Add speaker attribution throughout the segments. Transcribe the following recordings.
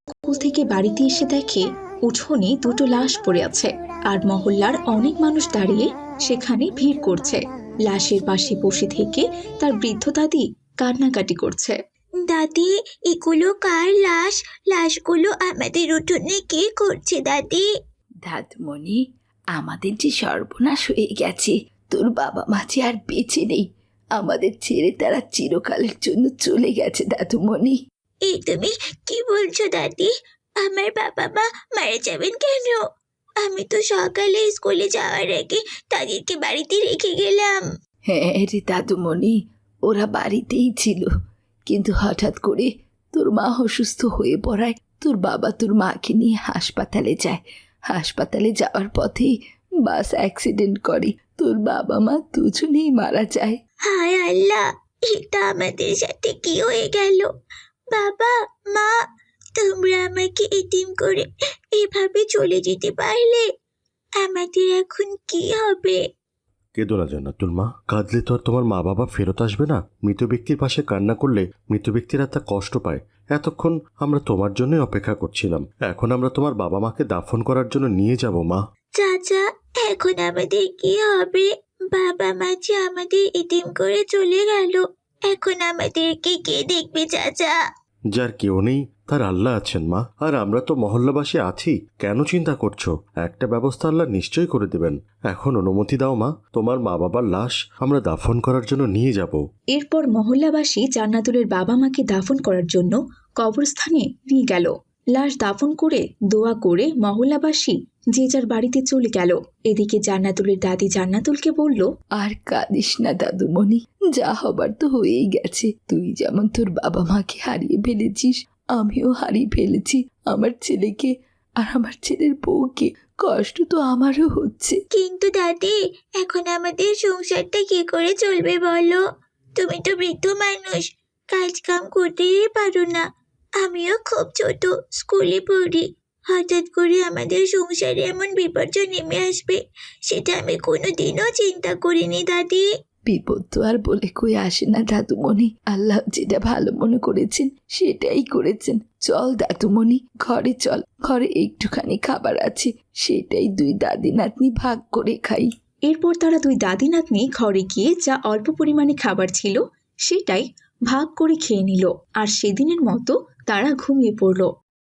Speaker 1: School থেকে বাড়িতে এসে দেখে উঠোনে দুটো লাশ পড়ে আছে আর মহল্লার অনেক মানুষ দাঁড়িয়ে সেখানে ভিড় করছে। লাশের পাশে বসে থেকে তার বৃদ্ধ দাদি কান্নাকাটি করছে।
Speaker 2: দাদি, এগুলো কার লাশ? লাশগুলো আমাদের উঠোনে কে করছে দাদি?
Speaker 3: দাদুমণি, আমাদের যে সর্বনাশ হয়ে গেছে। তোর বাবা মা যে আর বেঁচে নেই, আমাদের ছেড়ে তারা চিরকালের জন্য চলে গেছে দাদুমণি।
Speaker 2: এই তুমি কি বলছো দাদি? আমার বাবা মা মারা যাবেন কেন? আমি তো সকালে স্কুলে যাওয়ার আগে তাদেরকে বাড়িতে রেখে গেলাম।
Speaker 3: হ্যাঁ রে দাদুমণি, ওরা বাড়িতেই ছিল, কিন্তু হঠাৎ করে তোর মা অসুস্থ হয়ে পড়ায় তোর বাবা তোর মাকে নিয়ে হাসপাতালে যায়। হাসপাতালে যাওয়ার পথেই বাস অ্যাক্সিডেন্ট করে, তোর বাবা মা দুজনেই মারা যায়।
Speaker 2: হায় আল্লাহ, এটা আমাদের সাথে কি হয়ে গেল? বাবা, মা, তোমরা আমাকে এতিম করে এভাবে চলে যেতে পারলে? আমাদের এখন কি হবে?
Speaker 4: কেঁদো না জান্নাতুল মা, কাঁদলে তো আর তোমার মা বাবা ফেরত আসবে না। মৃত ব্যক্তির পাশে কান্না করলে মৃত ব্যক্তিরা তা কষ্ট পায়। এতক্ষণ আমরা তোমার জন্যই অপেক্ষা করছিলাম, এখন আমরা তোমার বাবা মাকে দাফন করার জন্য নিয়ে যাব মা।
Speaker 2: চাচা, এখন আমাদের কি হবে? বাবা মা যে আমাদের এতিম করে চলে গেল, এখন আমাদেরকে কে দেখবে চাচা?
Speaker 4: যার কেউ নেই তার আল্লাহ আছেন মা, আর আমরা তো মহল্লাবাসী আছি। কেন চিন্তা করছো? একটা ব্যবস্থা আল্লাহ নিশ্চয়ই করে দেবেন। এখন অনুমতি দাও মা, তোমার মা বাবার লাশ আমরা দাফন করার জন্য নিয়ে যাব।
Speaker 1: এরপর মহল্লাবাসী জান্নাতুলের বাবা মাকে দাফন করার জন্য কবরস্থানে নিয়ে গেল। লাশ দাফন করে দোয়া করে মহল্লাবাসী যে যার বাড়িতে চলে গেল। এদিকে জান্নাতুলের দাদি জান্নাতুলকে বলল,
Speaker 3: আর কাঁদিস না দাদুমণি, যা হবার তো হয়েই গেছে। তুই যেমন তোর বাবা মাকে হারিয়ে ফেলেছিস, আমিও হারিয়ে ফেলেছি আমার ছেলেকে আর আমার ছেলের বউকে। কষ্ট তো আমারও হচ্ছে।
Speaker 2: কিন্তু দাদি, এখন আমাদের সংসারটা কি করে চলবে বলো? তুমি তো বৃদ্ধ মানুষ, কাজ কাম করতেই পারো না। আমিও খুব ছোট, স্কুলে পড়ি। হঠাৎ করে আমাদের সংসারে এমন বিপর্যয় নেমে আসবে, সেটা আমি কোনোদিনও চিন্তা করিনি দাদি।
Speaker 3: বিপদ তো আর বলে কই আসে না দাদুমণি, আল্লাহ যেটা ভালো মনে করেছেন সেটাই করেছেন। চল দাদুমণি, ঘরে চল, ঘরে একটুখানি খাবার আছে, সেটাই দুই দাদি নাতনি ভাগ করে খাই।
Speaker 1: এরপর তারা দুই দাদি নাতনি ঘরে গিয়ে যা অল্প পরিমাণে খাবার ছিল সেটাই ভাগ করে খেয়ে নিল, আর সেদিনের মতো তারা ঘুমিয়ে পড়ল।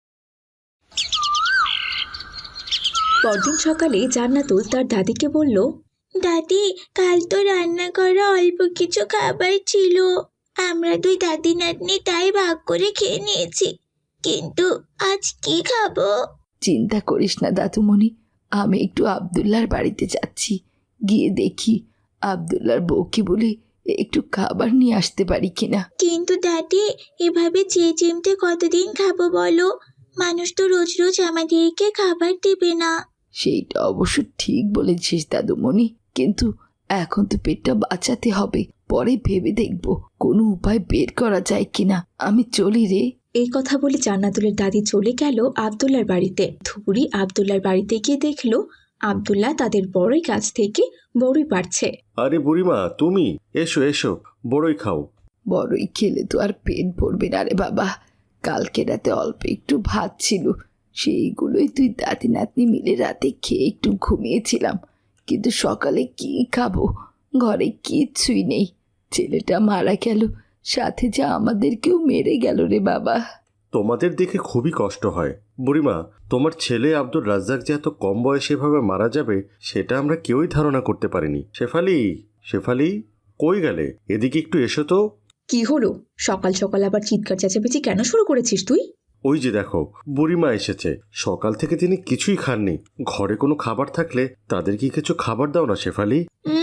Speaker 1: পরদিন সকালে জান্নাতুল তার দাদিকে বলল,
Speaker 2: দাদি, কাল তো রান্না করা অল্প কিছু খাবার ছিল, আমরা দুই দাদি নাতনি তাই ভাগ করে খেয়ে নিয়েছি। কিন্তু আজ কি খাবো?
Speaker 3: চিন্তা করিস না দাদুমণি, আমি একটু আব্দুল্লাহর বাড়িতে যাচ্ছি, গিয়ে দেখি আব্দুল্লাহর বউকে বলে একটু খাবার নিয়ে আসতে পারি কিনা।
Speaker 2: কিন্তু দাদি, এভাবে চেয়ে চিমটে কতদিন খাবো বলো? মানুষ তো রোজ রোজ আমাদেরকে খাবার দেবে না।
Speaker 3: সেইটা অবশ্য ঠিক বলেছিস দাদুমণি, কিন্তু এখন তো পেটটা বাঁচাতে হবে, পরে ভেবে দেখব কোনো উপায় বের করা যায় কিনা। আমি চলি রে।
Speaker 1: এই কথা বলে জান্নাতুলের দাদি চলে গেল আব্দুল্লাহর বাড়িতে। ধুবুরি আব্দুল্লাহর বাড়িতে গিয়ে দেখলো আব্দুল্লাহ তাদের বড়ই গাছ থেকে বড়ই পাড়ছে।
Speaker 4: আরে বুড়িমা, তুমি এসো এসো, বড়ই খাও।
Speaker 3: বড়ই খেলে তো আর পেট ভরবে না রে বাবা, কালকে রাতে অল্প একটু ভাত ছিল, সেইগুলোই তুই দাদি নাতনি মিলে রাতে খেয়ে একটু ঘুমিয়েছিলাম, কিন্তু সকালে কি খাবো? ঘরে কিচ্ছুই নেই। ছেলেটা মারা গেল, সাথে যা আমাদেরকেও মেরে গেল রে বাবা।
Speaker 4: তোমাদের দেখে খুবই কষ্ট হয় বুড়িমা। তোমার ছেলে আব্দুর রাজ্জাক যে এত কম বয়সে এভাবে মারা যাবে সেটা আমরা কেউই ধারণা করতে পারিনি। শেফালি, শেফালি, কই গেলে? এদিকে একটু এসো তো।
Speaker 1: কি হলো? সকাল সকাল আবার চিৎকার চেঁচামেচি কেন শুরু করেছিস তুই?
Speaker 4: ওই যে দেখো, বুড়িমা এসেছে। সকাল থেকে তিনি কিছুই খাননি। ঘরে কোনো খাবার থাকলে তাদেরকে কিছু খাবার দাও না শেফালি।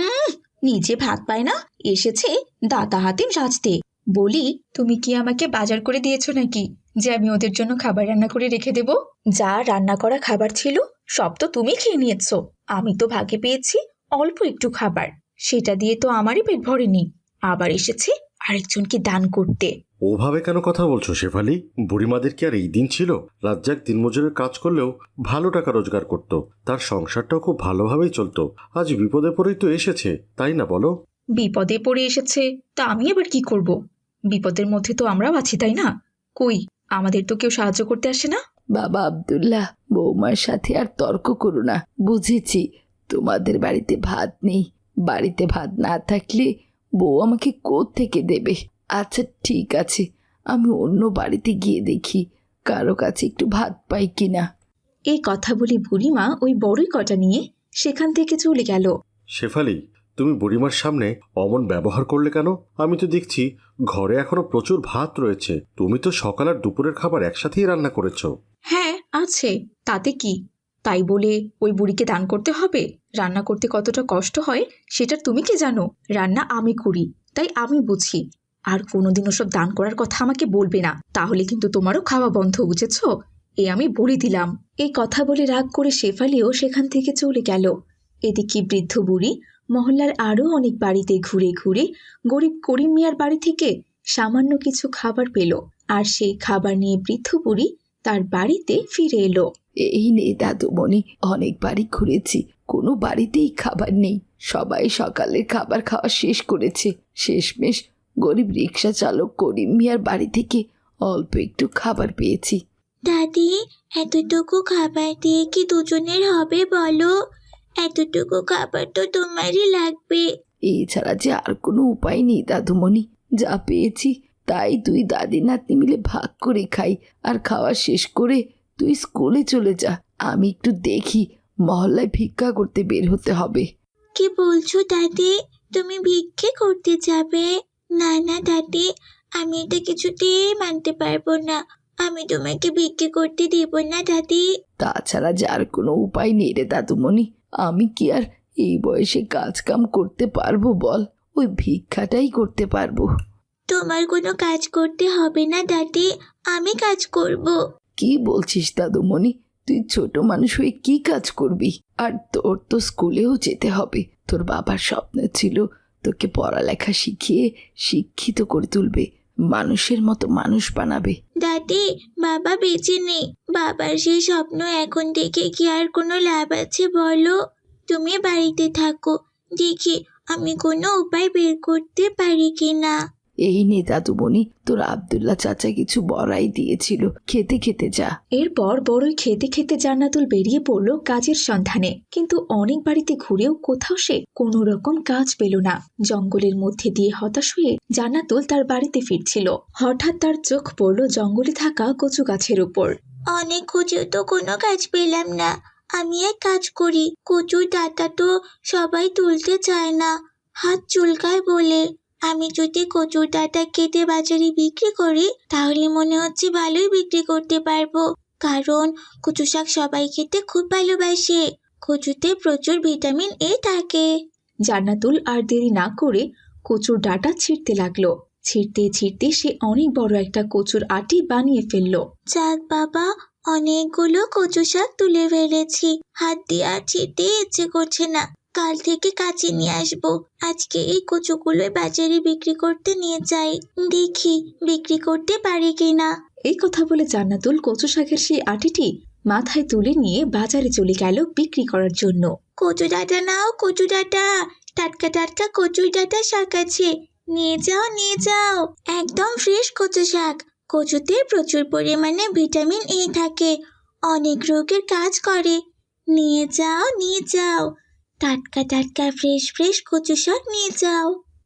Speaker 1: নিজে ভাত পায় না, এসেছে দাতা হাতিম সাজতে। বলি, তুমি কি আমাকে বাজার করে দিয়েছো নাকি যে আমি ওদের জন্য খাবার রান্না করে রেখে দেব? যা রান্না করা খাবার ছিল সব তো তুমি খেয়ে নিয়েছো। আমি তো ভাগে পেয়েছি অল্প একটু খাবার, সেটা দিয়ে তো আমারই পেট ভরেনি, আবার এসেছে আরেকজনকে দান করতে।
Speaker 4: ওভাবে কেন কথা বলছো শেফালি? বুড়িমাদের কি আর এই দিন ছিল? রাজ্জাক দিনমজুরের কাজ করলেও ভালো টাকা রোজগার করত, তার সংসারটাও খুব ভালোভাবেই চলতো। আজ বিপদে পড়েই তো এসেছে, তাই না বলো?
Speaker 1: বিপদে পড়ে এসেছে তা আমি এবার কি করব? বিপদের মধ্যে তো আমরাও আছি, তাই না? কই, আমাদের তো কেউ সাহায্য করতে আসে না।
Speaker 3: বাবা আব্দুল্লাহ, বৌমার সাথে আর তর্ক করো না। বুঝেছি তোমাদের বাড়িতে ভাত নেই। বাড়িতে ভাত না থাকলে বউ আমাকে থেকে দেবে। আচ্ছা ঠিক আছে, আমি অন্য বাড়িতে গিয়ে দেখি কারো কাছে একটু ভাত পাই কিনা।
Speaker 1: এই কথা বলে বুড়িমা ওই বড়ই কটা নিয়ে সেখান থেকে চলে গেল।
Speaker 4: শেফালি, তুমি বুড়িমার সামনে অমন ব্যবহার করলে কেন? আমি তো দেখছি ঘরে এখনো প্রচুর ভাত রয়েছে। তুমি তো সকাল আর দুপুরের খাবার একসাথেই রান্না করেছো।
Speaker 1: হ্যাঁ আছে, তাতে কি? তাই বলে ওই বুড়িকে দান করতে হবে? রান্না করতে কতটা কষ্ট হয় সেটা তুমি কি জানো? রান্না আমি করি, তাই আমি বুঝি। আর কোনোদিন ওসব দান করার কথা আমাকে বলবে না, তাহলে কিন্তু তোমারও খাওয়া বন্ধ, বুঝেছো? এ আমি বলে দিলাম। এই কথা বলে রাগ করে শেফালিও সেখান থেকে চলে গেল। এদিকে বৃদ্ধ বুড়ি মহল্লার আরও অনেক বাড়িতে ঘুরে ঘুরে গরিব করিম মিয়ার বাড়ি থেকে সামান্য কিছু খাবার পেল, আর সেই খাবার নিয়ে বৃদ্ধ বুড়ি তার বাড়িতে ফিরে এলো।
Speaker 3: এই নে দাদুমণি, অনেক বাড়ি ঘুরেছি, কোনো বাড়িতেই খাবার নেই। সবাই সকালের খাবার খাওয়া শেষ করেছে। শেষমেশ গরিব রিক্সা চালক করিম মিয়ার বাড়ি থেকে অল্প একটু খাবার পেয়েছি।
Speaker 2: দাদি, এতটুকু খাবার দিয়ে কি দুজনের হবে বলো? এতটুকু খাবার তো তোমারই লাগবে।
Speaker 3: এছাড়া যে আর কোনো উপায় নেই দাদুমণি। যা পেয়েছি তাই তুই দাদি নাতনি মিলে ভাগ করে খাই। আর খাওয়া শেষ করে তুই স্কুলে চলে যা। আমি একটু দেখি, মহল্লায় ভিক্ষা করতে বের হতে হবে।
Speaker 2: কি বলছো দাদি? তুমি ভিক্ষে করতে যাবে? না না দাদি, আমি এটা কিছুতেই মানতে পারবো না। আমি তোমাকে ভিক্ষে করতে দেব না দাদি।
Speaker 3: তাছাড়া যে আর কোনো উপায় নেই রে দাদুমণি। আমি কি আর এই বয়সে কাজ কাম করতে পারবো বল? ওই ভিক্ষাটাই করতে পারবো।
Speaker 2: তোমার কোনো কাজ করতে হবে না দাদি, আমি কাজ করব।
Speaker 3: কি বলছিস দাদুমণি? তুই ছোট মানুষ হয়ে কি কাজ করবি? আর তোর তো স্কুলেও যেতে হবে। তোর বাবার স্বপ্ন ছিল তোকে পড়ালেখা শিখিয়ে শিক্ষিত করে তুলবে, মানুষের মতো মানুষ বানাবে।
Speaker 2: দাদি, বাবা বেঁচে নেই। বাবার সেই স্বপ্ন এখন দেখে কি আর কোনো লাভ আছে বলো? তুমি বাড়িতে থাকো, দেখি আমি কোনো উপায় বের করতে পারি কিনা।
Speaker 3: এই নে দাদুমণি, তোর আব্দুল্লাহ চাচা কিছু বড়াই দিয়েছিল, খেতে খেতে যা।
Speaker 1: এরপর বড়ই খেতে খেতে জান্নাতুল বেরিয়ে পড়ল কাজের সন্ধানে। কিন্তু অনেক বাড়িতে ঘুরেও কোথাও সে কোনো রকম কাজ পেল না। জঙ্গলের মধ্যে দিয়ে হতাশ হয়ে জান্নাতুল তার বাড়িতে ফিরছিল। হঠাৎ তার চোখ পড়ল জঙ্গলে থাকা কচু গাছের উপর।
Speaker 2: অনেক খুঁজেও তো কোনো কাজ পেলাম না। আমি এক কাজ করি, কচুর ডাঁটা তো সবাই তুলতে চায় না, হাত চুলকায় বলে। আমি যদি কচুর ডাঁটা কেটে বাজারে বিক্রি করি তাহলে মনে হচ্ছে ভালোই বিক্রি করতে পারবো। কারণ কচু শাক সবাই খেতে খুব ভালোবাসে। কচুতে প্রচুর ভিটামিন এ থাকে।
Speaker 1: জান্নাতুল আর দেরি না করে কচুর ডাঁটা ছিঁড়তে লাগলো। ছিঁড়তে ছিঁড়তে সে অনেক বড় একটা কচুর আটি বানিয়ে ফেললো।
Speaker 2: যাক বাবা, অনেকগুলো কচু শাক তুলে ফেলেছি। হাত দিয়ে আর ছিঁড়তে ইচ্ছে করছে না। কাল থেকে কাছে নিয়ে আসবো। আজকে এই কচুগুলো বাজারে বিক্রি করতে নিয়ে যাই, দেখি বিক্রি করতে পারি কিনা।
Speaker 1: এই কথা বলে জান্নাতুল কচু শাকের সেই আটিটি মাথায় তুলে নিয়ে বাজারে চলে গেল বিক্রি করার জন্য।
Speaker 2: কচু ডাঁটা নাও, কচু ডাঁটা, টাটকা টাটকা কচুর ডাঁটা শাক আছে, নিয়ে যাও নিয়ে যাও। একদম ফ্রেশ কচু শাক। কচুতে প্রচুর পরিমাণে ভিটামিন এ থাকে, অনেক রোগের কাজ করে। নিয়ে যাও নিয়ে যাও, টাটকা টাটকা ফ্রেশ ফ্রেশ কচু শাক নিয়ে যাও।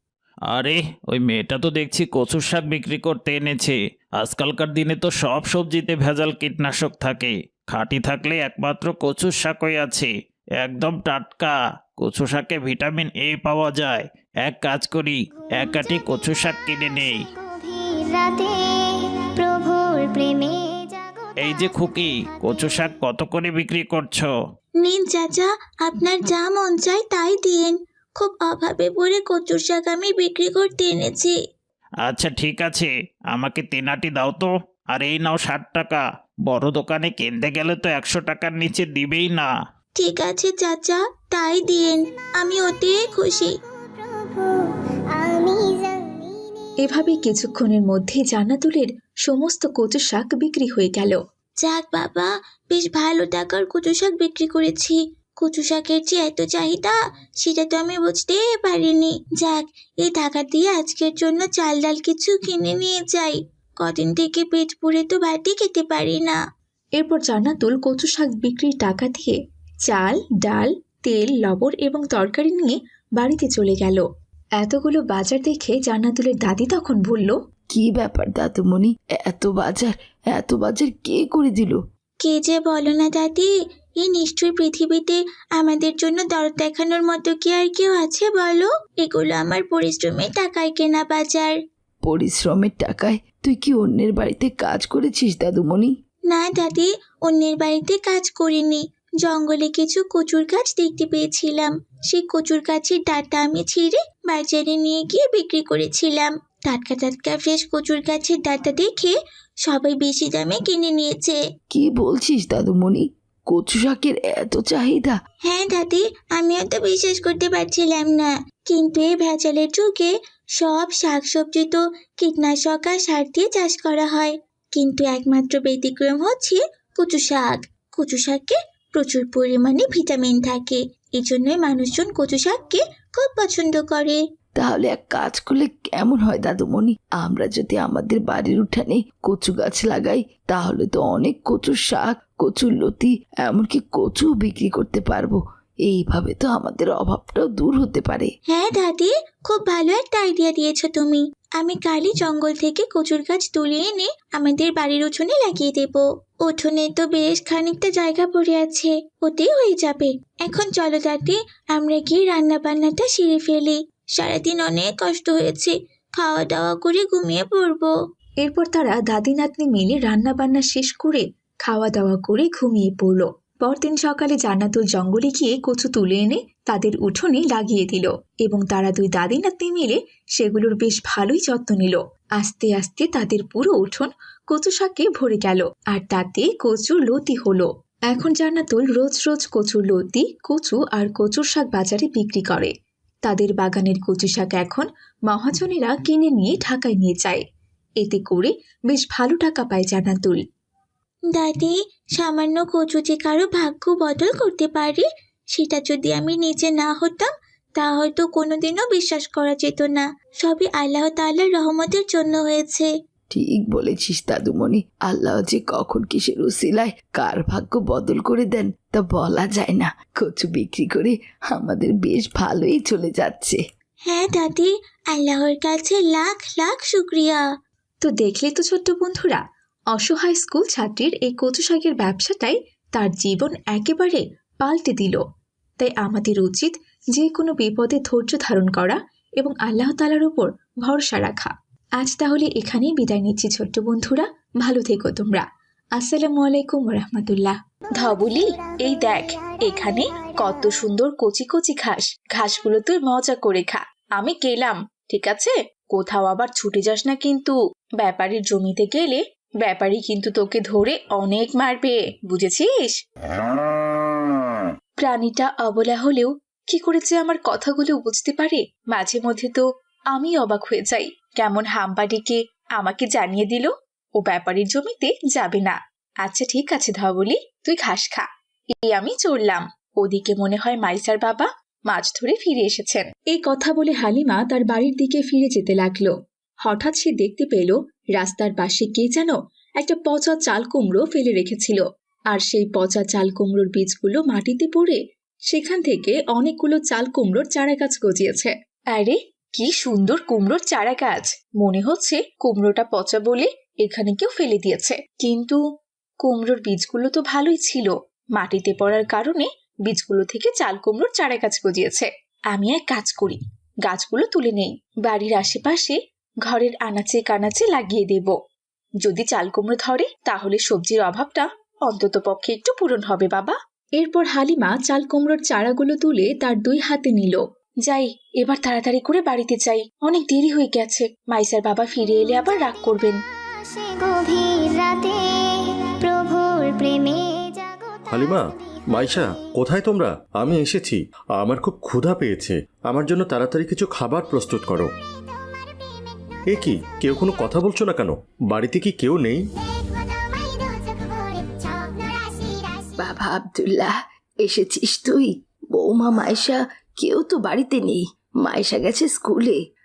Speaker 5: আরে ওই মেয়েটা তো দেখছি কচুর শাক বিক্রি করতে এনেছে। আজকালকার দিনে তো সব সবজিতে ভেজাল কীটনাশক থাকে, খাঁটি থাকলে একমাত্র কচুর শাকই আছে, একদম টাটকা। কচু শাকে ভিটামিন এ পাওয়া যায়। এক কাজ করি, এক আটি কচু শাক কিনে নেই। এই যে খুকি, কচু শাক কত করে বিক্রি করছো?
Speaker 2: নিন চাচা, আপনার যা মন চায় তাই দিন। খুব অভাবে পড়ে কচুর শাক আমি বিক্রি করতে এনেছি।
Speaker 5: আচ্ছা ঠিক আছে, আমাকে 3 আটি দাও তো। আর এই নাও 60 টাকা। বড় দোকানে কিনতে গেলে তো 100 টাকার নিচে দিবেই না।
Speaker 2: ঠিক আছে চাচা, তাই দিন, আমি ওতে খুশি।
Speaker 1: এভাবে কিছুক্ষণের মধ্যে জান্নাতুলের সমস্ত কচু শাক বিক্রি হয়ে গেল।
Speaker 2: যাক বাবা, বেশ ভালো টাকার কচু শাক বিক্রি করেছি। কচু শাকের যে এত চাহিদা সেটা তো আমি বুঝতে পারিনি। যাক, এই টাকা দিয়ে আজকের জন্য চাল ডাল কিছু কিনে নিয়ে যাই। কদিন থেকে পেট পুড়ে তো ভাতই খেতে পারি না।
Speaker 1: এরপর জান্নাতুল কচু শাক বিক্রির টাকা দিয়ে চাল, ডাল, তেল, লবণ এবং তরকারি নিয়ে বাড়িতে চলে গেল। এতগুলো বাজার দেখে জান্নাতুলের দাদি তখন বলল,
Speaker 3: কি ব্যাপার দাদুমণি, এত বাজার কে করে দিল?
Speaker 2: কে যে বলো না দাদি, এই নিশ্চয়ই পৃথিবীতে আমাদের জন্য দরদ দেখানোর মতো কি আর কেউ আছে বলো? এগুলো আমার পরিশ্রমের টাকায় কেনা বাজার।
Speaker 3: পরিশ্রমের টাকায় তুই কি অন্যের বাড়িতে কাজ করেছিস দাদুমণি?
Speaker 2: না দাদি, অন্যের বাড়িতে কাজ করিনি। জঙ্গলে কিছু কচুর গাছ দেখতে পেয়েছিলাম, সেই কচুর গাছের ডাঁটা আমি ছিঁড়ে বাজারে নিয়ে গিয়ে বিক্রি করেছিলাম। টাটকা টাটকা ফ্রেশ কচুর গাছের ডাঁটা দেখে সবাই বেশি দামে কিনে নিয়েছে।
Speaker 3: কি বলছিস দাদুমণি, কচু শাকের এত চাহিদা?
Speaker 2: হ্যাঁ দাদি, আমিও তো বিশ্বাস করতে পারছিলাম না। কিন্তু এই ভেজালের যুগে সব শাকসবজি তো কীটনাশক আর সার দিয়ে চাষ করা হয়, কিন্তু একমাত্র ব্যতিক্রম হচ্ছে কচু শাক। কচু শাকে প্রচুর পরিমাণে ভিটামিন থাকে, এই জন্যই মানুষজন কচু শাককে খুব পছন্দ করে।
Speaker 3: তাহলে এক কাজ করলে কেমন হয় দাদুমণি, আমরা যদি আমাদের বাড়ির উঠানে কচু গাছ লাগাই, তাহলে তো অনেক কচুর শাক, কচুর লতি, এমনকি কচু বিক্রি করতে পারবো। এইভাবে তো আমাদের অভাবটাও দূর হতে পারে।
Speaker 2: হ্যাঁ দাদি, খুব ভালো একটা আইডিয়া দিয়েছো তুমি। আমি কালই জঙ্গল থেকে কচুর গাছ তুলে এনে আমাদের বাড়ির উঠোনে লাগিয়ে দেব। উঠোনে তো বেশ খানিকটা জায়গা পড়ে আছে, ওতেই হয়ে যাবে। এখন চলো দাদি, আমরা গিয়ে রান্না বান্নাটা সেরে ফেলি। সারাদিন অনেক কষ্ট হয়েছে, খাওয়া দাওয়া করে ঘুমিয়ে পড়বো।
Speaker 1: এরপর তারা দাদি নাতনি মিলে রান্না বান্না শেষ করে খাওয়া দাওয়া করে ঘুমিয়ে পড়ল। পরদিন সকালে জান্নাতুল জঙ্গলে গিয়ে কচু তুলে এনে তাদের উঠোনে লাগিয়ে দিল এবং তারা দুই দাদি নাতনি মিলে সেগুলোর বেশ ভালোই যত্ন নিল। আস্তে আস্তে তাদের পুরো উঠোন কচু শাকে ভরে গেল আর তাতে কচুর লতি হলো। এখন জান্নাতুল রোজ রোজ কচুর লতি, কচু আর কচুর শাক বাজারে বিক্রি করে। তাদের বাগানের কচু শাক এখন মহাজনেরা কিনে নিয়ে ঢাকায় নিয়ে যায়। এতে করে বেশ ভালো টাকা পায় জান্নাতুল।
Speaker 2: দাদি, সামান্য কচু যে কারো ভাগ্য বদল করতে পারে, সেটা যদি আমি নিজে না হতাম তা হয়তো কোনোদিনও বিশ্বাস করা যেত না। সবই আল্লাহ তাআলার রহমতের জন্য হয়েছে।
Speaker 3: ঠিক বলেছিস দাদুমণি, আল্লাহ যে কখন কিসের উসিলায় কার ভাগ্য বদল করে দেন তা বলা যায় না। কচু বিক্রি করে আমাদের বেশ ভালোই চলে যাচ্ছে।
Speaker 2: হ্যাঁ দাদি, আল্লাহর কাছে লাখ লাখ শুক্রিয়া।
Speaker 1: তো দেখলে তো ছোট্ট বন্ধুরা, অসহায় স্কুল ছাত্রীর এই কচু শাকের ব্যবসাটাই তার জীবন একেবারে পাল্টে দিল। তাই আমাদের উচিত যে কোনো বিপদে ধৈর্য ধারণ করা এবং আল্লাহ তাআলার উপর ভরসা রাখা। আজ তাহলে এখানেই বিদায় নিচ্ছি ছোট্ট বন্ধুরা, ভালো থেকো তোমরা। আসসালামু আলাইকুম রাহমাতুল্লাহ। ধবলি, এই দেখ এখানে কত সুন্দর কচি কচি ঘাস, ঘাসগুলো তুই মজা করে খা। আমি গেলাম, ঠিক আছে? কোথাও আবার ছুটে যাস না কিন্তু। ব্যাপারীর জমিতে গেলে ব্যাপারী কিন্তু তোকে ধরে অনেক মারবে, বুঝেছিস? প্রাণীটা অবলা হলেও কি করেছে আমার কথাগুলো বুঝতে পারে। মাঝে মধ্যে তো আমি অবাক হয়ে যাই, কেমন হাম্বা ডেকে আমাকে জানিয়ে দিল ও ব্যাপারীর জমিতে যাবে না। আচ্ছা ঠিক আছে ধবলি, তুই ঘাস খা, এই আমি চললাম। ওদিকে মনে হয় মাইসার বাবা মাছ ধরে ফিরে এসেছেন। এই কথা বলে হালিমা তার বাড়ির দিকে ফিরে যেতে লাগলো। হঠাৎ সে দেখতে পেল রাস্তার পাশে কে যেন একটা পচা চাল কুমড়ো ফেলে রেখেছিল, আর সেই পচা চাল কুমড়োর বীজগুলো মাটিতে পড়ে সেখান থেকে অনেকগুলো চাল কুমড়োর চারা গাছ গজিয়েছে। আরে কি সুন্দর কুমড়োর চারা গাছ! মনে হচ্ছে কুমড়োটা পচা বলে এখানে কেউ ফেলে দিয়েছে, কিন্তু কুমড়োর বীজগুলো তো ভালোই ছিল। মাটিতে পড়ার কারণে বীজগুলো থেকে চাল কুমড়োর চারা গাছ গজিয়েছে। আমি এক কাজ করি, গাছগুলো তুলে নেই, বাড়ির আশেপাশে ঘরের আনাচে কানাচে লাগিয়ে দেব। যদি চাল কুমড়ো ধরে তাহলে সবজির অভাবটা অন্তত পক্ষে একটু পূরণ হবে বাবা। এরপর হালিমা চাল কুমড়োর চারাগুলো তুলে তার দুই হাতে নিল। যাই, এবার তাড়াতাড়ি করে বাড়িতে যাই, অনেক দেরি হয়ে গেছে। মাইসার বাবা ফিরে এলে আবার রাগ করবেন।
Speaker 4: হালিমা, মাইশা, কোথায় তোমরা? আমি এসেছি। আমার খুব ক্ষুধা পেয়েছে, আমার জন্য তাড়াতাড়ি কিছু খাবার প্রস্তুত করো। এ কি, কেউ কোনো কথা বলছো না কেন? বাড়িতে কি কেউ নেই?
Speaker 3: বাবা আব্দুল্লাহ, এসেছিস তুই? বৌমা মাইশা কেউ তো বাড়িতে নেই, মাইশা গেছে স্কুলে।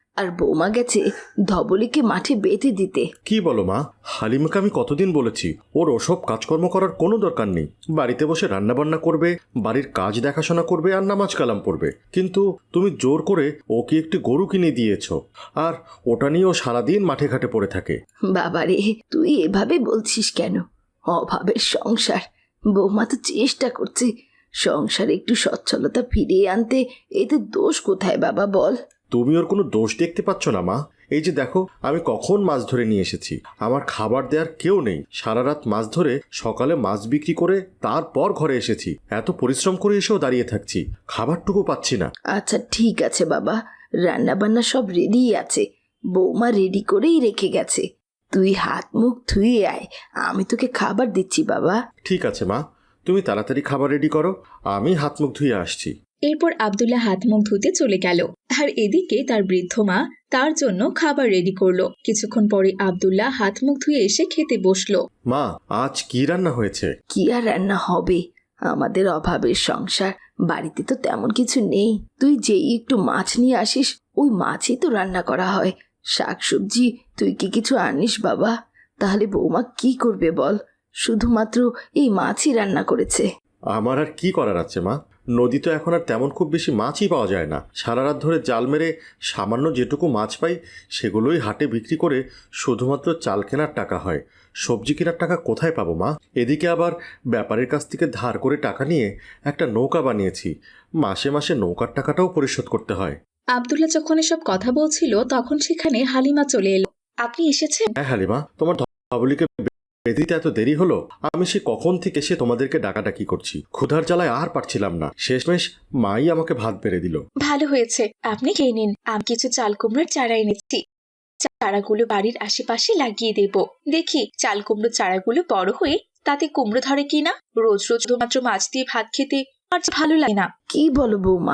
Speaker 3: আর বৌমা গেছে ধবলিকে মাঠে বেঁধে দিতে।
Speaker 4: কি বলো মা? হালিমাকে আমি কতদিন বলেছি ওর ওসব কাজকর্ম করার কোনো দরকার নেই। বাড়িতে বসে রান্নাবান্না করবে, বাড়ির কাজ দেখাশোনা করবে আর নামাজ কালাম পড়বে। কিন্তু তুমি জোর করে ওকে একটি গরু কিনে দিয়েছো, আর ওটা নিয়ে ও সারাদিন মাঠে ঘাটে পড়ে থাকে।
Speaker 3: বাবারে, তুই এভাবে বলছিস কেন? অভাবের সংসার, বৌমা তো চেষ্টা করছে সংসারে একটু সচ্ছলতা ফিরিয়ে আনতে। এতে দোষ কোথায় বাবা বল?
Speaker 4: তুমি ওর কোনো দোষ দেখতে পাচ্ছ না মা? এই যে দেখো, আমি কখন মাছ ধরে নিয়ে এসেছি, আমার খাবার দেওয়ার কেউ নেই। সারা রাত মাছ ধরে সকালে মাছ বিক্রি করে তারপর ঘরে এসেছি। এত পরিশ্রম করে এসেও দাঁড়িয়ে থাকছি, খাবারটুকু পাচ্ছি না।
Speaker 3: আচ্ছা ঠিক আছে বাবা, রান্না বান্না সব রেডি আছে, বৌমা রেডি করেই রেখে গেছে। তুই হাত মুখ ধুয়ে আয়, আমি তোকে খাবার দিচ্ছি বাবা।
Speaker 4: ঠিক আছে মা, তুমি তাড়াতাড়ি খাবার রেডি করো, আমি হাত মুখ ধুয়ে আসছি।
Speaker 1: এরপর আব্দুল্লাহ হাত মুখ ধুতে চলে গেল, আর এদিকে তার বৃদ্ধ মা তার জন্য খাবার রেডি করলো। কিছুক্ষণ পরে আব্দুল্লাহ হাত মুখ ধুয়ে এসে খেতে বসলো।
Speaker 4: মা, আজ কি রান্না হয়েছে?
Speaker 3: কি আর রান্না হবে, আমাদের অভাবের সংসার, বাড়িতে তো তেমন কিছু নেই। তুই যেই একটু মাছ নিয়ে আসিস, ওই মাছই তো রান্না করা হয়। শাকসবজি তুই কি কিছু আনিস বাবা? তাহলে বৌমা কি করবে বল? শুধুমাত্র এই মাছই রান্না করেছে।
Speaker 4: আমার আর কি করার আছে মা? নদী তো এখন আর তেমন খুব বেশি মাছই পাওয়া যায় না। সারা রাত ধরে জাল মেরে সামান্য যেটুকু মাছ পাই সেগুলোই হাটে বিক্রি করে শুধুমাত্র চাল কেনার টাকা হয়। সবজি কেনার টাকা কোথায় পাবো মা? এদিকে আবার ব্যাপারীর কাছ থেকে ধার করে টাকা নিয়ে একটা নৌকা বানিয়েছি, মাসে মাসে নৌকার টাকাটাও পরিশোধ করতে হয়।
Speaker 1: আব্দুল্লাহ যখন এসব কথা বলছিল তখন সেখানে হালিমা চলে এলো। আপনি এসেছেন?
Speaker 4: হ্যাঁ হালিমা, তোমার ধবলিকে বেঁধে এত দেরি হলো? আমি সে কখন থেকে সে তোমাদেরকে ডাকাডাকি করছি, ক্ষুধার জ্বালায় আর পারছিলাম না। শেষমেশ মাই আমাকে ভাত বেড়ে দিল।
Speaker 1: ভালো হয়েছে, আপনি খেয়ে নিন। আমি কিছু চাল কুমড়োর চারা এনেছি, চারাগুলো বাড়ির আশেপাশে লাগিয়ে দেব। দেখি চাল কুমড়োর চারাগুলো বড় হয়ে তাতে কুমড়ো ধরে কিনা। রোজ রোজ শুধুমাত্র মাছ দিয়ে ভাত খেতে আর যে ভালো লাগে না।
Speaker 3: কি বলো বৌমা,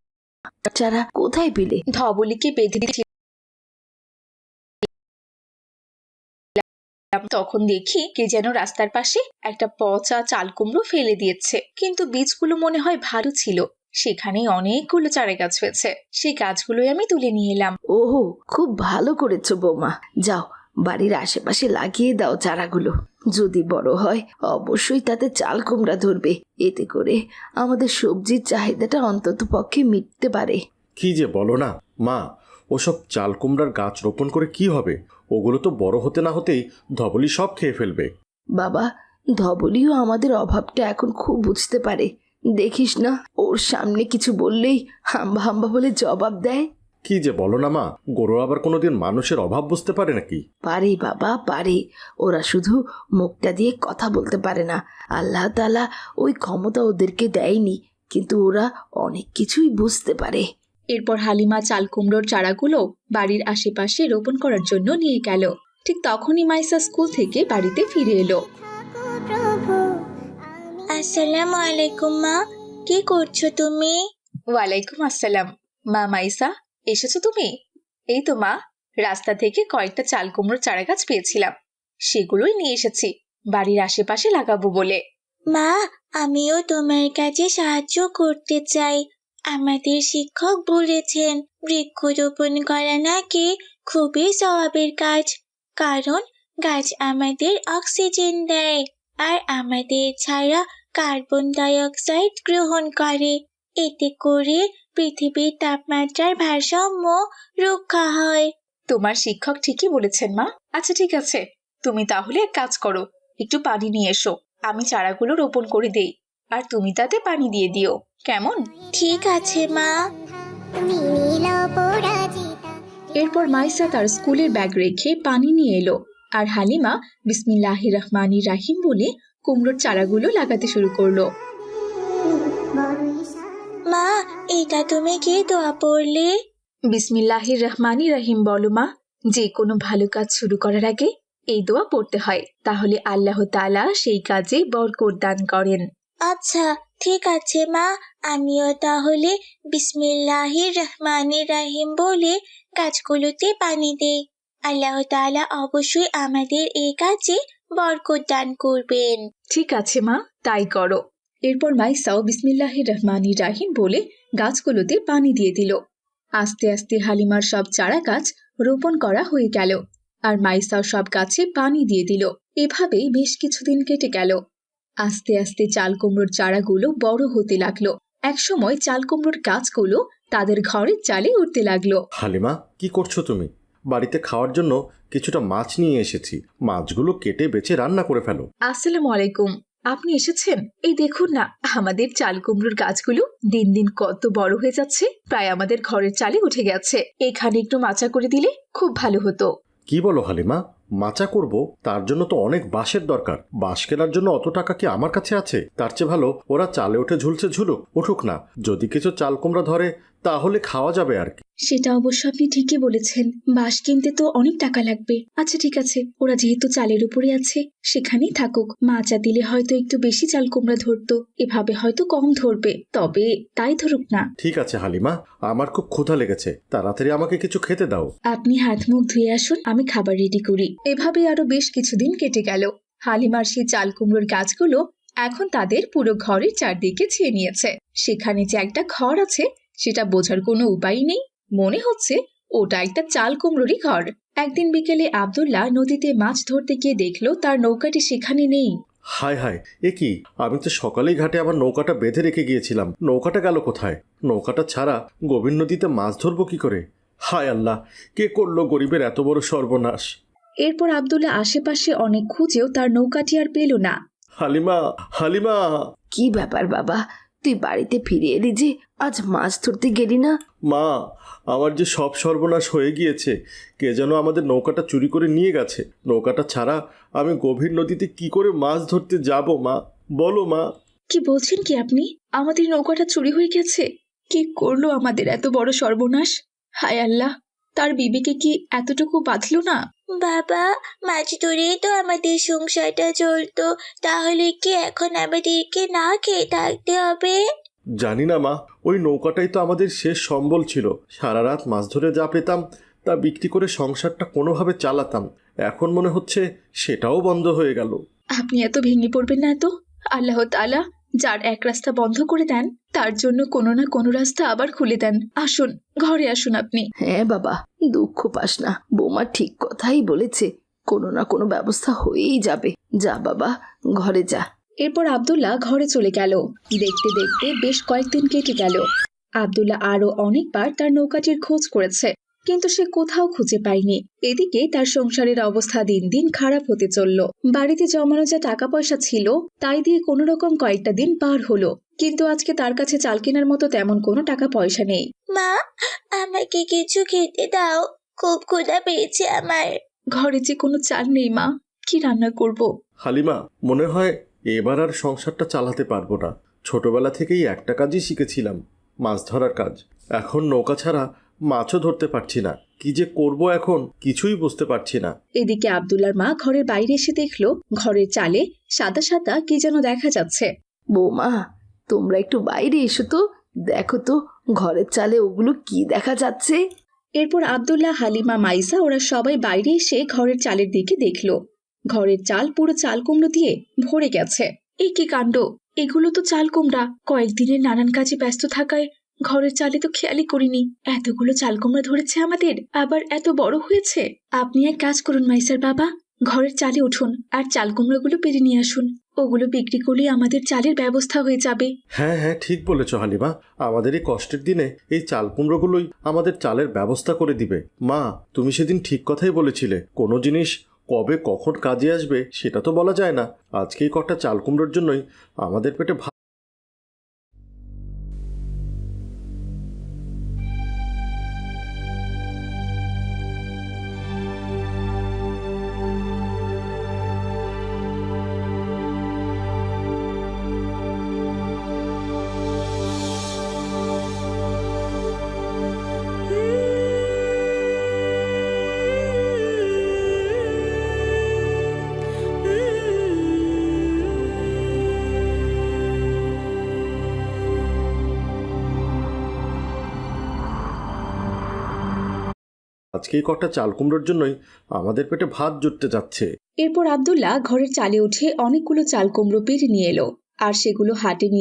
Speaker 3: চারা কোথায় পেলে?
Speaker 1: ধবলিকে বেঁধে দিয়েছিলাম, তখন দেখি কে যেন রাস্তার পাশে একটা পচা চাল কুমড়ো ফেলে দিয়েছে, কিন্তু বীজগুলো মনে হয় ভালো ছিল। সেখানে অনেকগুলো চারা গাছ হয়েছে, সেই গাছগুলোই আমি তুলে নিয়ে এলাম।
Speaker 3: ওহো, খুব ভালো করেছো বৌমা। যাও বাড়ির আশেপাশে লাগিয়ে দাও চারাগুলো। যদি বড় হয় অবশ্যই তাতে চাল কুমড়া ধরবে। এতে করে আমাদের সবজির চাহিদাটা অন্তত পক্ষে মিটতে পারে।
Speaker 4: কি যে বলো না মা, ওসব চাল কুমড়ার গাছ রোপণ করে কি হবে? ওগুলো তো বড় হতে না হতেই ধবলি সব খেয়ে ফেলবে।
Speaker 3: বাবা, ধবলিও আমাদের অভাবটা এখন খুব বুঝতে পারে। দেখিস না, ওর সামনে কিছু বললেই হাম্বা হাম্বা বলে জবাব দেয়।
Speaker 4: কি যে বলো না মা, গরু আবার কোনোদিন মানুষের অভাব বুঝতে পারে নাকি?
Speaker 3: পারে বাবা, পারে। ওরা শুধু মুখটা দিয়ে কথা বলতে পারে না, আল্লাহ তাআলা ওই ক্ষমতা ওদেরকে দেয়নি, কিন্তু ওরা অনেক কিছুই বুঝতে পারে।
Speaker 1: এরপর হালিমা চাল কুমড়োর চারাগুলো বাড়ির আশেপাশে রোপণ করার জন্য নিয়ে গেল। ঠিক তখনই মাইসা স্কুল থেকে বাড়িতে ফিরে এলো।
Speaker 2: আসসালামু আলাইকুম মা, কি করছো তুমি?
Speaker 1: ওয়ালাইকুম আসসালাম। মা মাইসা, এসেছো তুমি? এই তো মা, রাস্তা থেকে কয়েকটা চাল কুমড়োর চারা গাছ পেয়েছিলাম, সেগুলোই নিয়ে এসেছি বাড়ির আশেপাশে লাগাবো বলে।
Speaker 2: মা, আমিও তোমার কাছে সাহায্য করতে চাই। আমাদের শিক্ষক বলেছেন বৃক্ষরোপণ করা নাকি খুবই সওয়াবের কাজ, কারণ গাছ আমাদের অক্সিজেন দেয় আর আমাদের ছাড়া কার্বন ডাই অক্সাইড গ্রহণ করে। এতে করে পৃথিবীর তাপমাত্রার ভারসাম্য রক্ষা হয়।
Speaker 1: তোমার শিক্ষক ঠিকই বলেছেন মা। আচ্ছা ঠিক আছে, তুমি তাহলে এক কাজ করো, একটু পানি নিয়ে এসো, আমি চারাগুলো রোপণ করে দেই, আর তুমি তাতে পানি দিয়ে দিও, কেমন?
Speaker 2: ঠিক আছে মা।
Speaker 1: এরপর মাইসা তার স্কুলের ব্যাগ রেখে পানি নিয়ে এলো, আর হালিমা বিসমিল্লাহির রহমানির রাহিম বলে কুমড়োর চারাগুলো লাগাতে শুরু করলো।
Speaker 2: মা, এটা তুমি কি দোয়া পড়লে?
Speaker 1: বিসমিল্লাহির রহমানির রাহিম বলো মা। যে কোনো ভালো কাজ শুরু করার আগে এই দোয়া পড়তে হয়, তাহলে আল্লাহ তাআলা সেই কাজে বরকত দান করেন।
Speaker 2: আচ্ছা ঠিক আছে মা, আমিও তাহলে বিসমিল্লাহির রহমানির রাহিম বলে গাছগুলোতে পানি দেই। আল্লাহ তাআলা অবশ্যই আমাদের এই কাজে বরকত দান করবেন।
Speaker 1: ঠিক আছে মা, তাই করো। এরপর মাইসাও বিসমিল্লাহির রহমানির রাহিম বলে গাছগুলোতে পানি দিয়ে দিল, আস্তে আস্তে হালিমার সব চারা গাছ রোপণ করা হয়ে গেল, আর মাইসাও সব গাছে পানি দিয়ে দিল। এভাবেই বেশ কিছুদিন কেটে গেল। আস্তে আস্তে চাল কুমড়োর চারাগুলো বড় হতে লাগলো। একসময় চাল কুমড়োর গাছগুলো তাদের ঘরের চালে উঠতে লাগলো।
Speaker 4: হালিমা, কি করছো তুমি? বাড়িতে খাওয়ার জন্য কিছুটা মাছ নিয়ে এসেছি, মাছগুলো কেটে বেছে রান্না করে ফেলো।
Speaker 1: আসসালামু আলাইকুম, আপনি এসেছেন? এই দেখুন না, আমাদের চাল কুমড়োর গাছগুলো দিন দিন কত বড় হয়ে যাচ্ছে, প্রায় আমাদের ঘরের চালে উঠে গেছে। এখানে একটু মাচা করে দিলে খুব ভালো হতো।
Speaker 4: কি বলো হালিমা, মাচা করব? তার জন্য তো অনেক বাঁশের দরকার। বাঁশ কেনার জন্য অত টাকা কি আমার কাছে আছে? তার চেয়ে ভালো ওরা চালে উঠে ঝুলছে ঝুলুক, উঠুক না। যদি কিছু চাল কুমড়া ধরে তাহলে খাওয়া যাবে আর কি।
Speaker 1: সেটা অবশ্য আপনি ঠিকই বলেছেন, বাঁশ কিনতে তো অনেক টাকা লাগবে। আচ্ছা ঠিক আছে, ওরা যেহেতু চালের উপরে আছে সেখানেই থাকুক। মাচা দিলে হয়তো একটু বেশি চাল কুমড়া ধরতো, এভাবে হয়তো কম ধরবে, তবে তাই ধরুক না।
Speaker 4: ঠিক আছে হালিমা, আমার খুব ক্ষুধা লেগেছে, তাড়াতাড়ি আমাকে কিছু খেতে দাও।
Speaker 1: আপনি হাত মুখ ধুয়ে আসুন, আমি খাবার রেডি করি। এভাবে আরো বেশ কিছুদিন কেটে গেল। হালিমার সেই চাল কুমড়োর গাছগুলো এখন তাদের পুরো ঘরের চারদিকে ছেয়ে নিয়েছে। সেখানে যে একটা ঘর আছে সেটা বোঝার কোনো উপায় নেই, মনে হচ্ছে ওটা একটা চাল কুমড়োরই ঘর। একদিন বিকেলে আব্দুল্লাহ নদীতে মাছ ধরতে গিয়ে দেখলো তার নৌকাটি সেখানে নেই।
Speaker 4: হায় হায়, এ কি! আমি তো সকালেই ঘাটে আমার নৌকাটা বেঁধে রেখে গিয়েছিলাম, নৌকাটা গেল কোথায়? নৌকাটা ছাড়া গভীর নদীতে মাছ ধরবো কি করে? হায় আল্লাহ, কে করলো গরিবের এত বড় সর্বনাশ!
Speaker 1: এরপর আব্দুল্লাহ আশেপাশে অনেক খুঁজেও তার নৌকাটি আর পেল না।
Speaker 4: হালিমা, হালিমা!
Speaker 3: কি ব্যাপার বাবা, তুই বাড়িতে ফিরে এলি যে? আজ মাছ ধরতে গেলি না?
Speaker 4: মা, আমার যে সব সর্বনাশ হয়ে গিয়েছে। কে যেন আমাদের নৌকাটা চুরি করে নিয়ে গেছে। নৌকাটা ছাড়া আমি গভীর নদীতে কি করে মাছ ধরতে যাব মা? বলো মা।
Speaker 1: কি বলছেন কি আপনি? আমাদের নৌকাটা চুরি হয়ে গেছে? কে করলো আমাদের এত বড় সর্বনাশ? হায় আল্লাহ, তার বিবিকে কি এতটুকু বাঁধলো না?
Speaker 2: বাবা, মাছ ধরেই তো আমাদের সংসারটা চলতো, তাহলে কি এখন আমাদেরকে না খেয়ে থাকতে হবে?
Speaker 4: জানি না মা, ওই নৌকাটাই তো আমাদের শেষ সম্বল ছিল। সারা রাত মাছ ধরে যা পেতাম তা বিক্রি করে সংসারটা কোনোভাবে চালাতাম। এখন মনে হচ্ছে সেটাও বন্ধ হয়ে গেল।
Speaker 1: আপনি এত ভেঙে পড়বেন না তো। আল্লাহ তাআলা যার এক রাস্তা বন্ধ করে দেন তার জন্য কোনো না কোনো রাস্তা আবার খুলে দেন। আসুন, ঘরে আসুন আপনি।
Speaker 3: হ্যাঁ বাবা, দুঃখ পাস না, বৌমা ঠিক কথাই বলেছে, কোনো না কোনো ব্যবস্থা হয়েই যাবে। যা বাবা, ঘরে যা।
Speaker 1: এরপর আব্দুল্লাহ ঘরে চলে গেল। দেখতে দেখতে বেশ কয়েকদিন কেটে গেল। আব্দুল্লাহ আরো অনেকবার তার নৌকাটির খোঁজ করেছে, কিন্তু সে কোথাও খুঁজে পায়নি। এদিকে তার সংসারের অবস্থা দিন দিন খারাপ হতে চলল। বাড়িতে জমানো যা টাকা পয়সা ছিল তাই দিয়ে কোনো রকম কয়েকটা দিন পার হলো, কিন্তু আজকে তার কাছে চাল কেনার মতো তেমন কোনো টাকা পয়সা নেই।
Speaker 2: মা, আমাকে কিছু খেতে দাও, খুব ক্ষুধা পেয়েছে আমার।
Speaker 1: ঘরে যে কোনো চাল নেই মা, কি রান্না করব?
Speaker 4: হালিমা, মনে হয় এবার আর সংসারটা চালাতে পারবো না। ছোটবেলা থেকেই একটা কাজই শিখেছিলাম, মাছ ধরার কাজ। এখন নৌকা ছাড়া মাছও ধরতে পারছি না। কি যে করব এখন কিছুই বুঝতে পারছি না।
Speaker 1: এদিকে আব্দুল্লাহর মা ঘরের বাইরে এসে দেখলো ঘরের চালে সাদা সাদা কি যেন দেখা যাচ্ছে।
Speaker 3: বৌমা, তোমরা একটু বাইরে এসো তো, দেখো তো ঘরের চালে ওগুলো কি দেখা যাচ্ছে।
Speaker 1: এরপর আব্দুল্লাহ, হালিমা, মাইসা ওরা সবাই বাইরে এসে ঘরের চালের দিকে দেখলো। ঘরের চাল পুরো চাল কুমড়ো দিয়ে ভরে গেছে। এই কি কাণ্ড! এগুলো তো চাল কুমড়া। কয়েকদিনের নানান কাজে ব্যস্ত থাকায় ঘরের চালে তো খেয়ালই করিনি এতগুলো চাল কুমড়া ধরেছে আমাদের, আবার এত বড় হয়েছে। আপনি এক কাজ করুন মাইসার বাবা, ঘরের চালে উঠুন আর চাল কুমড়োগুলো পেরে নিয়ে আসুন। ওগুলো বিক্রি করলে আমাদের চালের ব্যবস্থা হয়ে যাবে।
Speaker 4: হ্যাঁ হ্যাঁ, ঠিক বলেছ হালিমা। আমাদের এই কষ্টের দিনে এই চাল কুমড়োগুলোই আমাদের চালের ব্যবস্থা করে দিবে। মা, তুমি সেদিন ঠিক কথাই বলেছিলে, কোনো জিনিস কবে কখন কাজে আসবে সেটা তো বলা যায় না। আজকেই কটা চাল কুমড়োর জন্যই আমাদের পেটে আজকেই কটা চাল কুমড়োর জন্যই আমাদের পেটে ভাত জুটতে যাচ্ছে।
Speaker 1: এরপর আব্দুল্লাহ ঘরের চালে উঠে অনেকগুলো চাল কুমড়ো পেরে নিয়ে এলো আর সেগুলো হাটে নিয়ে